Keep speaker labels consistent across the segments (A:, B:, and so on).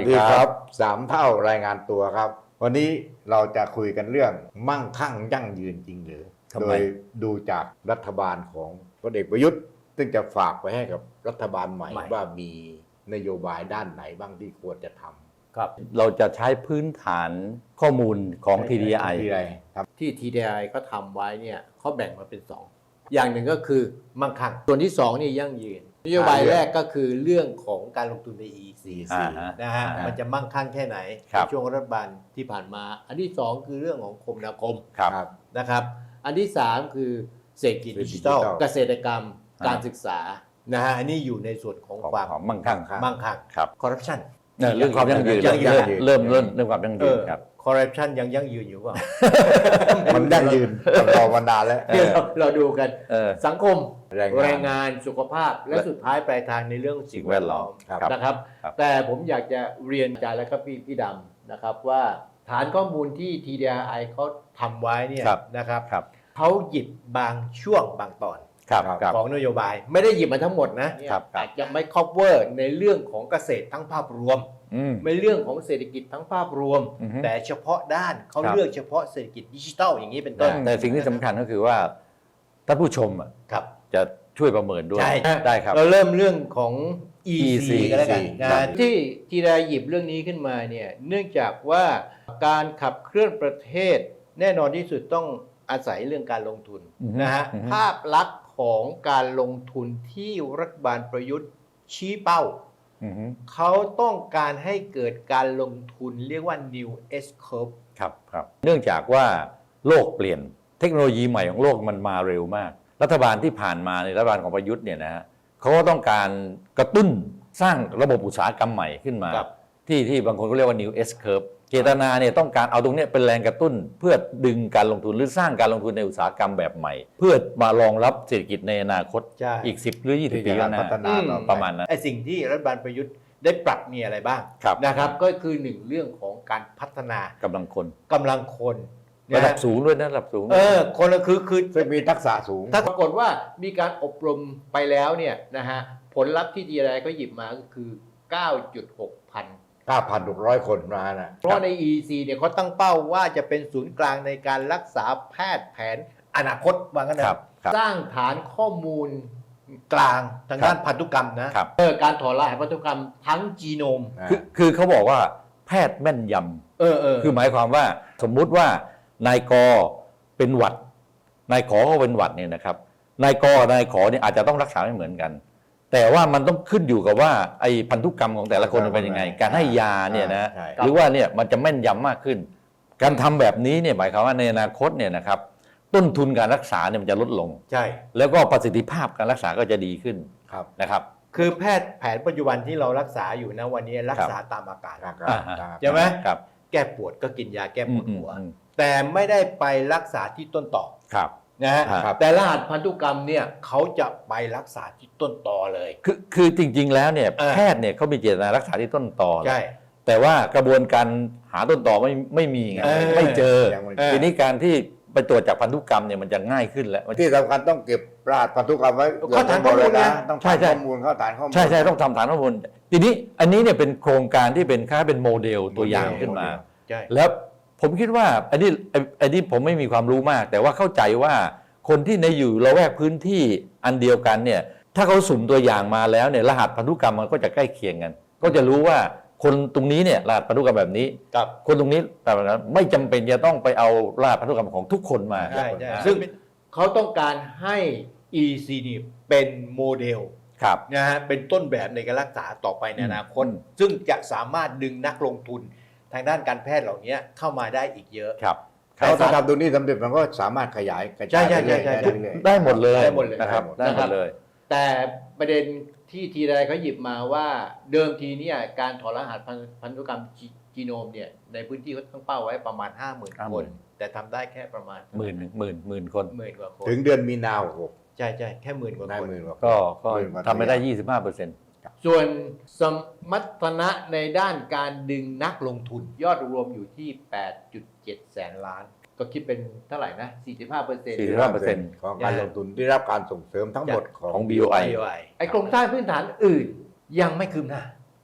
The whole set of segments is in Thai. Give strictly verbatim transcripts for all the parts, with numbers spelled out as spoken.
A: ดีครับสามเท่ารายงานตัวครับวันนี้เราจะคุยกันเรื่องมั่งคั่งยั่งยืนจริงหรือโดยดูจากรัฐบาลของพลเอกประยุทธ์ซึ่งจะฝากไปให้กับรัฐบาลใหม่ว่ามีนโยบายด้านไหนบ้างที่ควรจะทำ
B: ครับเราจะใช้พื้นฐานข้อมูลของ ที ดี ไอ
C: ที่ ที ดี ไอ ก็ทำไว้เนี่ยเขาแบ่งมาเป็นสองอย่างหนึ่งก็คือมั่งคั่งส่วนที่สองนี่ยั่งยืนนโยบายแรกก็คือเรื่องของการลงทุนใน อี ซี นะฮะมันจะมั่งคั่งแค่ไหนในช่วงรัฐบาลที่ผ่านมาอันที่สองคือเรื่องของคมนาคมนะครับอันที่สามคือเศรษฐกิจดิจิทัลเกษตรกรรมการศึกษานะฮะอันนี้อยู่ในส่วนของความ
B: มั่งคั่ง
C: มั่งคั่งคอร์รัปชัน
B: เรื่องความยั่งยืนเริ่มเริ่มเริ่มเรื่องความยั่งยืนครับ
C: คอร์รัปชันยังยั่งยืนอยู่เปล่า
A: มันยั่งยืนรอมานานแล้ว
C: เราดูกันสังคมแรงงานสุขภาพและสุดท้ายปลายทางในเรื่องสิ่งแวดล้อมนะครับแต่ผมอยากจะเรียนอาจารย์และครับพี่พี่ดำนะครับว่าฐานข้อมูลที่ ที ดี ไอ เขาทำไว้เนี่ยนะครับเขาหยิบบางช่วงบางตอนของนโยบายไม่ได้หยิบมาทั้งหมดนะอาจจะไม่ cover ในเรื่องของเกษตรทั้งภาพรวมในเรื่องของเศรษฐกิจทั้งภาพรวมแต่เฉพาะด้านเขาเลือกเฉพาะเศรษฐกิจดิจิทัลอย่างนี้เป็นต้น
B: แต่สิ่งที่สำคัญก็คือว่าท่านผู้ชมจะช่วยประเมินด้วย
C: ได้ครับเราเริ่มเรื่องของ อี ซี ก็แล้วกันที่ที่ได้หยิบเรื่องนี้ขึ้นมาเนี่ยเนื่องจากว่าการขับเคลื่อนประเทศแน่นอนที่สุดต้องอาศัยเรื่องการลงทุนนะฮะภาพลักษณ์ของการลงทุนที่รัฐบาลประยุทธ์ชี้เป้าเขาต้องการให้เกิดการลงทุนเรียกว่า New S Curve
B: ครับครับเนื่องจากว่าโลกเปลี่ยนเทคโนโลยีใหม่ของโลกมันมาเร็วมากรัฐบาลที่ผ่านมาในรัฐบาลของประยุทธ์เนี่ยนะฮะเขาก็ต้องการกระตุ้นสร้างระบบอุตสาหกรรมใหม่ขึ้นมาที่ที่บางคนก็เรียกว่า New S Curve เจตนาเนี่ยต้องการเอาตรงนี้เป็นแรงกระตุ้นเพื่อดึงการลงทุนหรือสร้างการลงทุนในอุตสาหกรรมแบบใหม่เพื่อมารองรับเศรษฐกิจในอนาคตอีกสิบหรือยี่สิบปีข้างหน้าประมาณนั้น
C: ไอ้สิ่งที่รัฐบาลประยุทธ์ได้ปรับมีอะไรบ้างนะครับก็คือหนึ่งเรื่องของการพัฒนาก
B: ำลังคน
C: กำลังคน
B: ระดับสูงด้วยนะระดับสูง
C: เออคนละคือคือ
A: จะมีทักษะสูง
C: ถ้าปรากฏว่ามีการอบรมไปแล้วเนี่ยนะฮะผลลัพธ์ที่ดีอะไรก็หยิบมาก็คือ เก้าจุดหกพัน
A: เก้าพันหกร้อย คนมานะ
C: เพราะใน อี ซี เนี่ยเขาตั้งเป้าว่าจะเป็นศูนย์กลางในการรักษาแพทย์แผนอนาคตว่างั้นนะสร้างฐานข้อมูลกลางทางด้านพันธุกรรมนะเออการถอดรหัสพันธุกรรมทั้งจีโนม
B: คือคือเขาบอกว่าแพทย์แม่นยำเออเออคือหมายความว่าสมมุติว่านายกเป็นหวัดนายขอก็เป็นหวัดเนี่ยนะครับนายกนายขอเนี่ยอาจจะต้องรักษาไม่เหมือนกันแต่ว่ามันต้องขึ้นอยู่กับว่าไอ้พันธุกรรมของแต่ละคนเป็นยังไงการให้ยาเนี่ยนะหรือว่าเนี่ยมันจะแม่นยำมากขึ้นการทำแบบนี้เนี่ยหมายความว่าในอนาคตเนี่ยนะครับต้นทุนการรักษาเนี่ยมันจะลดลง
C: ใช่
B: แล้วก็ประสิทธิภาพการรักษาก็จะดีขึ้นนะครับ
C: คือแพทย์แผนปัจจุบันที่เรารักษาอยู่นะวันนี้รักษาตามอาการใช่ไหมแก้ปวดก็กินยาแก้ปวดหัวแต่ไม่ได้ไปรักษาที่ต้นต่อนะฮะแต่รหัสพันธุกรรมเนี่ยเขาจะไปรักษาที่ต้นตอเลย
B: คือคือจริงๆแล้วเนี่ยแพทย์เนี่ยเขามีเจตนารักษาที่ต้นตอใช่แต่ว่ากระบวนการหาต้นตอไม่ไม่มีไงไม่เจอทีนี้การที่ไปตรวจจากพันธุกรรมเนี่ยมันจะง่ายขึ้นแล้ว
A: ที่สำคัญต้องเก็บรหัสพันธุกรรมไว้
C: ข้อฐานข้อมูลนะ
A: ต้องใช่ข้อมูลข้อฐานข้อมูล
B: ใช่ใช่ต้องทำฐานข้อมูลทีนี้อันนี้เนี่ยเป็นโครงการที่เป็นค่าเป็นโมเดลตัวอย่างขึ้นมาแล้วผมคิดว่าอันนี้อันนี้ผมไม่มีความรู้มากแต่ว่าเข้าใจว่าคนที่ในอยู่ละแวกพื้นที่อันเดียวกันเนี่ยถ้าเขาสุ่มตัวอย่างมาแล้วเนี่ยรหัสพันธุกรรมมันก็จะใกล้เคียงกันก็จะรู้ว่าคนตรงนี้เนี่ยรหัสพันธุกรรมแบบนี้คนตรงนี้แบบนั้นไม่จำเป็นจะต้องไปเอารหัสพันธุกรรมของทุกคนมา
C: ใช่ซึ่งเขาต้องการให้ อี ซี นี่เป็นโมเดลนะฮะเป็นต้นแบบในการรักษาต่อไปในอนาคตซึ่งจะสามารถดึงนักลงทุนทางด้านการแพทย์เหล่านี้เข้ามาได้อีกเยอะ
A: เขาถ้าทำตรงนี้สำเร็จมันก็สามารถขยายกระจาย
B: ได้หมดเลยได้หมดเลยนะครับได้หมดเลย
C: แต่ประเด็นที่ทีไรเขาหยิบมาว่าเดิมทีเนี่ยการถอดรหัสพันธุกรรมจีโนมเนี่ยในพื้นที่เขาตั้งเป้าไว้ประมาณ ห้าหมื่น คนแต่ทำได้แค่ประมาณ
B: หมื่นหมื่นหมื่นคน
C: หมื่นกว่าคน
A: ถึงเดือนมีนาคม
C: ใช่ใช่แค่หมื่นกว่าคน
B: ก็ก็ทำไม่ได้ ยี่สิบห้าเปอร์เซ็นต์
C: ส่วนสมรรถนะในด้านการดึงนักลงทุนยอดรวมอยู่ที่ แปดจุดเจ็ด แสนล้านก็คิดเป็นเท่าไหร่นะ สี่สิบห้าเปอร์เซ็นต์
B: สี่สิบห้าเปอร์เซ็นต์
A: ของการลงทุนที่รับการส่งเสริมทั้งหมดของ
B: บี โอ ไอ
C: ไอ้โครงสร้างพื้นฐานอื่นยังไม่คืบหน้า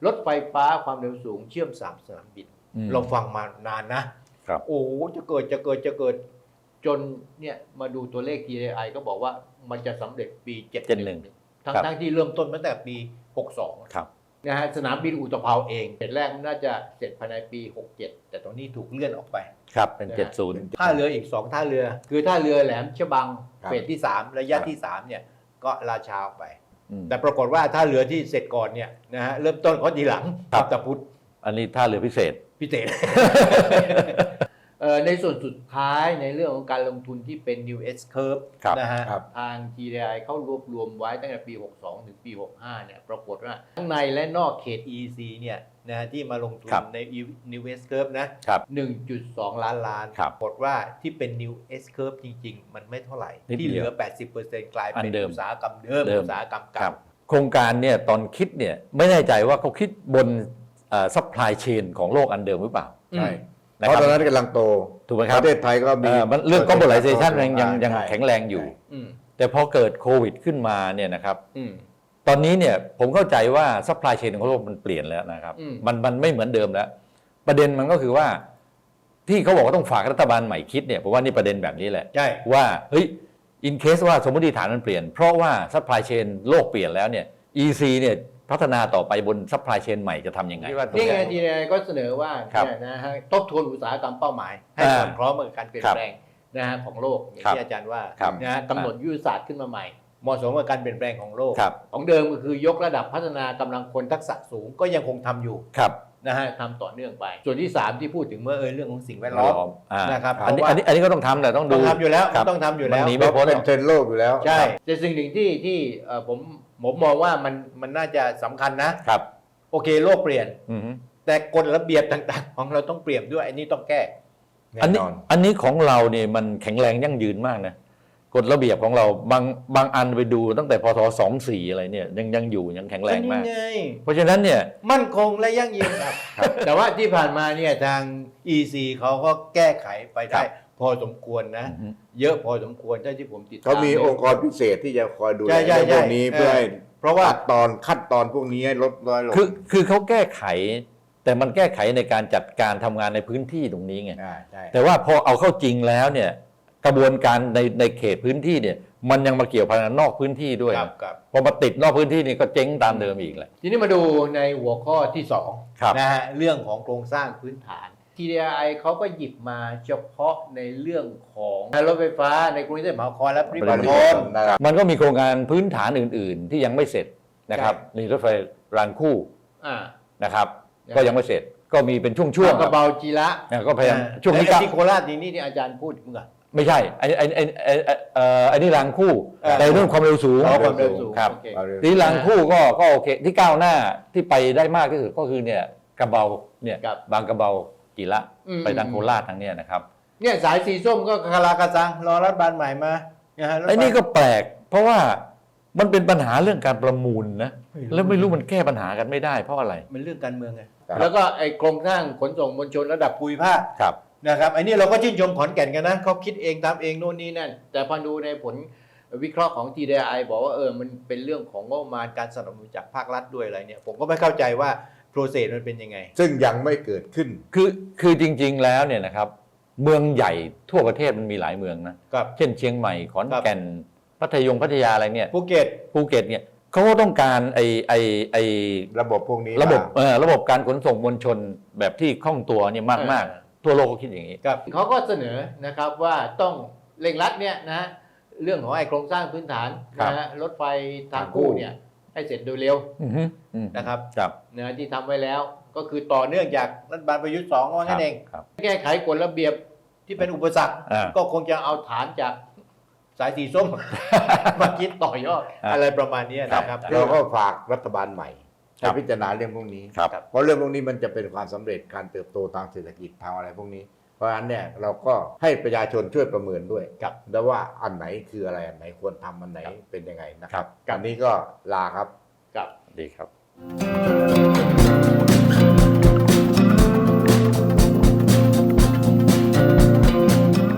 C: รถไฟฟ้าความเร็วสูงเชื่อมสามสนามบิน
B: อืม
C: เราฟังมานานนะครับ โอ้โหจะเกิดจะเกิดจะเกิดจนเนี่ยมาดูตัวเลข ที เอ ไอ ก็บอกว่ามันจะสำเร็จปีเจ็ดสิบเอ็ดทั้ง
B: ครับ
C: ทั้งที่เริ่มต้นมาตั้งแต่ปีหกสอง
B: ครับ
C: นะฮะสนามบินอุตภเปาเองเฟสแรกน่าจะเสร็จภายในปีหกเจ็ดแต่ตอนนี้ถูกเลื่อนออกไป
B: ครับเป็น
C: นะฮะ
B: เจ็ดศูนย์
C: ท่าเรืออีกสองท่าเรือ คือท่าเรือแหลมฉบัง
A: ครับ
C: เฟสที่สามระยะ
A: ครับ
C: ที่สามเนี่ยก็ราชาออกไป
B: อืม
C: แต่ปรากฏว่าท่าเรือที่เสร็จก่อนเนี่ยนะฮะเริ่มต้นเขาทีหลัง
B: ครับ
C: ตะพุทธ
B: อันนี้ท่าเรือพิเศษ
C: พิเศษ เอ่อในส่วนสุดท้ายในเรื่องของการลงทุนที่เป็น New S Curve
B: ครับ
C: นะฮะ
A: ครับ
C: ทาง ที ดี ไอ เขารวบรวมไว้ตั้งแต่ปี หกสอง ถึงปี หกห้า เนี่ยปรากฏว่าทั้งในและนอกเขต อี ซี เนี่ยนะฮะที่มาลงทุน
B: ครับ
C: ใน New S Curve นะ
B: ครับ
C: หนึ่งจุดสอง ล้านล้าน
B: ครับ
C: ปรากฏว่าที่เป็น New S Curve จริง ๆ มันไม่เท่าไหร่
B: นิด
C: ที่เหลือ
B: เดียว
C: แปดสิบเปอร์เซ็นต์ กลาย
B: อั
C: เป็น
B: นเดิม
C: อุตสาหกรรมเดิม
B: เดิม
C: อุตสาหกรรม
B: ครั
C: เก่า
B: บโครงการเนี่ยตอนคิดเนี่ยไม่แน่ใจว่าเขาคิดบนซัพพลายเชนของโลกอันเดิมหรือเปล่า
A: ใช่
B: นะ
A: เพ
B: ครั
A: ราะ
B: บ
A: ตอนนั้นกำลังโต
B: ถูกไหมครับ
A: ประเทศไทยก็มี
B: เอ่อมันเรื่อง globalization ยังยังยัง
A: ใช่
B: แข็งแรงอยู่
C: อืม
B: แต่พอเกิดโควิดขึ้นมาเนี่ยนะครับ
C: อืม
B: ตอนนี้เนี่ยผมเข้าใจว่าซัพพลายเชนของโลกมันเปลี่ยนแล้วนะครับ
C: อืม
B: มันมันไม่เหมือนเดิมแล้ว ประเด็นมันก็คือว่า ที่เขาบอกว่าต้องฝากรัฐบาลใหม่คิดเนี่ยผมว่านี่ประเด็นแบบนี้แหละ
C: ใช่
B: ว่าเฮ้ยอินเคสว่าสมมติฐานมันเปลี่ยน เพราะว่าซัพพลายเชนโลกเปลี่ยนแล้วเนี่ย อี ซี เนี่ยพัฒนาต่อไปบนซัพพลายเชนใหม่จะทำยังไง
C: นี่ไง ที ดี ไอ ก็เสนอว่า
B: ครับ
C: เนี่ยนะฮะทบทวนอุตสาหกรรมเป้าหมาย ให้
B: อ่า
C: สอดคล้องกับการเปลี่ยน
B: ครับ
C: แปลงนะฮะของโลกอย่าง
B: ครับ
C: ที่อาจารย์ว่า
B: ครับ
C: นะฮะกำหนดยุทธศาสตร์ขึ้นมาใหม่เหมาะสมกับการเปลี่ยนแปลงของโลก
B: ครับ
C: ของเดิมก็คือยกระดับพัฒนากำลังคนทักษะสูงก็ยังคงทำอยู่
B: ครับ
C: นะฮะทำต่อเนื่องไป ส่วนที่สามที่พูดถึงเมื่อเออเรื่องของสิ่งแวดล้อม
B: อ่า
C: นะครับ
B: อันนี้
C: เพราะว่า
B: อันนี้อันนี้ก็ต้องทำแต่ต้อง
C: ต้
B: ดู
C: องทำอยู่แล้ว
B: ครับ
C: ต้องทำอยู่แล้ว
B: มันหนีไม่
A: เราเป็นเทรนด์โลกอยู่แล้ว
C: ใช่แต่สิ่งหนึ่งที่ที่เอ่อผมผมมองว่ามันมันน่าจะสำคัญนะ
B: ครับ
C: โอเคโลกเปลี่ยน
B: อือฮึ
C: แต่กฎระเบียบต่างๆ ของเราต้องเปลี่ยนด้วยอันนี้ต้องแก้
B: อัน
A: แน่
B: นี้
A: นอน
B: อันนี้ของเราเนี่ยมันแข็งแรงยั่งยืนมากนะกฎระเบียบของเราบางบางอันไปดูตั้งแต่พศสองสี่อะไรเนี่ยยังยังอยู่ยังแข็งแรงมาก
C: นี่ไง
B: เพราะฉะนั้นเนี่ย
C: มั่นคงและยั่งยืนครับ แต่ว่าที่ผ่านมาเนี่ยทาง อี ซี เขาก็แก้ไขไปได้
B: ครับ
C: พอสมควรนะ
B: อือฮึ
C: เยอะพอสมควรเท่าที่ผมติดตาม
A: เขามีองค์กรพิเศษที่จะคอยดูแล
C: ใช่ใช่
A: เรื่องพวกนี้
C: ใช่
A: เพื่อให้
C: เพราะว่า
A: ขั้นตอนขั้นตอนพวกนี้ให้ลดน้อยลง
B: คือคือเขาแก้ไข แต่มันแก้ไขในการจัดการทำงานในพื้นที่ตรงนี้ไง
A: อ่าใช่
B: แต่ว่าพอเอาเข้าจริงแล้วเนี่ยกระบวนการในในเขตพื้นที่เนี่ยมันยังมาเกี่ยวพันกับนอกพื้นที่ด้วย
C: ครับครับ
B: พอมาติดนอกพื้นที่นี่ก็เจ๊งตามเดิมอีกแหละ
C: ทีนี้มาดูในหัวข้อที่สอง
B: ครับ
C: นะฮะเรื่องของโครงสร้างพื้นฐาน ที ดี ไอ เขาก็หยิบมาเฉพาะในเรื่องของรถไฟฟ้าในกรุงเทพมหานครและปริมณฑล
A: นะครับ
B: มันก็มีโครงการพื้นฐานอื่น ๆ ที่ยังไม่เสร็จนะครับ
C: ใช่
B: นี่รถไฟรางคู่
C: อ่า
B: นะครับ
C: นะครับ
B: ก็ยังไม่เสร็จ ก็มีเป็นช่วงๆ
C: กระเบาจีระ
B: นะก็พยายาม
C: อ่
B: ช่วงนี้
C: ไอ้
B: ก็
C: ที่โคราชนี่นี่ที่อาจารย์พูดมึงอะ
B: ไม่ใช่ไอ้ไอ้ไอ้ไอ้ไอ้เอ่อไอ้นี่รางคู่
C: เออ
B: แต่เรื่องความเร็วสูง
C: อ๋อความเร็วสูง
B: ครับ
C: โอเค
A: เอาเร็ว
B: ที่รางคู่ก็ก็โอเคที่ก้าวหน้าที่ไปได้มากที่สุดก็คือเนี่ยกระเบาเนี่ย
C: ครับ
B: บางกระเบาจิระ
C: อืม
B: ไปทางโคราชทางเนี้ยนะครับ
C: เนี่ยสายสีส้มก็คาราคาซังรอรัฐบาลใหม่มานะฮะรถฟ
B: ไอ้นี่ก็แปลก เพราะว่ามันเป็นปัญหาเรื่องการประมูลนะ
C: ไม่รู้
B: แล้วไม่รู้มันแก้ปัญหากันไม่ได้เพราะอะไร
C: มันเรื่องการเมืองไง
A: ครับ
C: แล้วก็ไอ้โครงสร้างขนส่งมวลชนระดับภูมิภาค
B: ครับ
C: นะครับไอ้นี่เราก็ชื่นชมขอนแก่นกันนะเขาคิดเองตามเองโน่นนี่นั่นแต่พอดูในผลวิเคราะห์ของ ที ดี ไอ บอกว่าเออมันเป็นเรื่องของงบประมาณการสนับสนุนจากภาครัฐด้วยอะไรเนี่ยผมก็ไม่เข้าใจว่าโปรเซสมันเป็นยังไง
A: ซึ่งยังไม่เกิดขึ้น
B: คือคือจริง ๆ แล้วเนี่ยนะครับเมืองใหญ่ทั่วประเทศมันมีหลายเมืองนะครับ เช่นเชียงใหม่ขอนแก่นพัทยงพัทยาอะไรเนี่ย
C: ภูเก็ต
B: ภูเก็ตเนี่ยเขาก็ต้องการไอ้ไอ้ไอ้
A: ระบบพวกนี้
B: ระบบ
A: มา
B: เออระบบการขนส่งมวลชนแบบที่คล่องตัวเนี่ยมากมาก
C: เออ
B: ๆทั่วโลกก็คิดอย่างนี้
C: ครับเขาก็เสนอนะครับว่าต้องเร่งรัดเนี่ยนะเรื่องของไอ้โครงสร้างพื้นฐาน
B: ครับ
C: นะฮะรถไฟทางคู่เนี่ยให้เสร็จโดยเร็ว
B: อือฮึอืม
C: นะครับ
B: ครับ
C: นะที่ทำไว้แล้วก็คือต่อเนื่องจากรัฐบาลประยุทธ์สองว่างั้นเอง
B: ครับ
C: แก้ไขกฎระเบียบที่เป็นอุปสรรค
B: อ่า
C: ก็คงจะเอาฐานจากสายสีส้ม มาคิดต่อยอด
B: อ่า
C: อะไรประมาณนี้นะครับ
A: เราก็ฝากรัฐบาลใหม่
B: ครั
A: ให้
B: บ
A: พิจารณาเรื่องพวกนี้
B: ครับ
A: เพราะเรื่องพวกนี้มันจะเป็นความสำเร็จการเติบโตทางเศรษฐกิจทางอะไรพวกนี้ เพราะฉะนั้นเนี่ยเราก็ให้ประชาชนช่วยประเมินด้วย
C: ครับ
A: แล้วว่าอันไหนคืออะไรอันไหนควรทำอันไหนเป็นยังไงนะค
B: ครั
A: รับบ วันนี้ก็ลาครับ
C: กับ
B: ดีครับ